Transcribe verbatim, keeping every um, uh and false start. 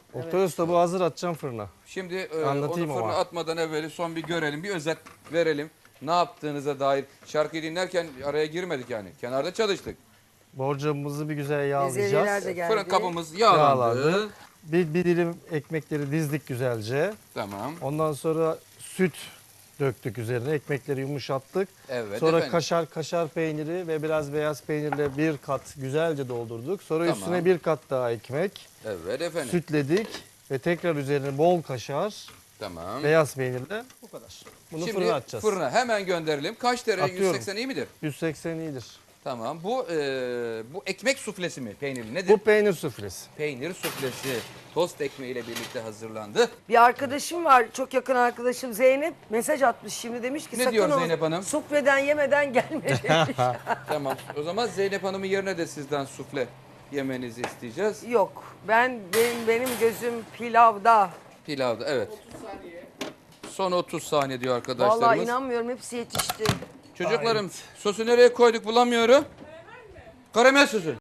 Oktay Usta bu hazır, atacağım fırına. Şimdi e, onu Anlatayım fırına ama. atmadan evveli son bir görelim, bir özet verelim. Ne yaptığınıza dair. Şarkıyı dinlerken araya girmedik yani. Kenarda çalıştık. Borcamımızı bir güzel Bezelyeler yağlayacağız. de geldi. Fırın kabımız yağlandı. Yağlandı. Bir, bir dilim ekmekleri dizdik güzelce. Tamam. Ondan sonra süt döktük üzerine. Ekmekleri yumuşattık. Evet Sonra efendim. kaşar kaşar peyniri ve biraz beyaz peynirle bir kat güzelce doldurduk. Sonra Tamam. üstüne bir kat daha ekmek. Evet efendim. Sütledik ve tekrar üzerine bol kaşar, Tamam. beyaz peynirle bu kadar. Bunu Şimdi fırına atacağız. fırına hemen gönderelim. Kaç derece? Atıyorum. yüz seksen iyi midir? yüz seksen iyidir. Tamam. Bu e, bu ekmek suflesi mi? Peynirli nedir? Bu peynir suflesi. Peynir suflesi. Tost ekmeğiyle birlikte hazırlandı. Bir arkadaşım var, çok yakın arkadaşım Zeynep. Mesaj atmış şimdi, demiş ki Ne sakın diyor o Zeynep Hanım? sufleden yemeden gelme demiş. Tamam. O zaman Zeynep Hanım'ın yerine de sizden sufle yemenizi isteyeceğiz. Yok, ben benim, benim gözüm pilavda. Pilavda evet. Son otuz saniye diyor arkadaşlarımız. Vallahi inanmıyorum, hepsi yetişti. Çocuklarım sosu nereye koyduk bulamıyorum. Karamel sosu.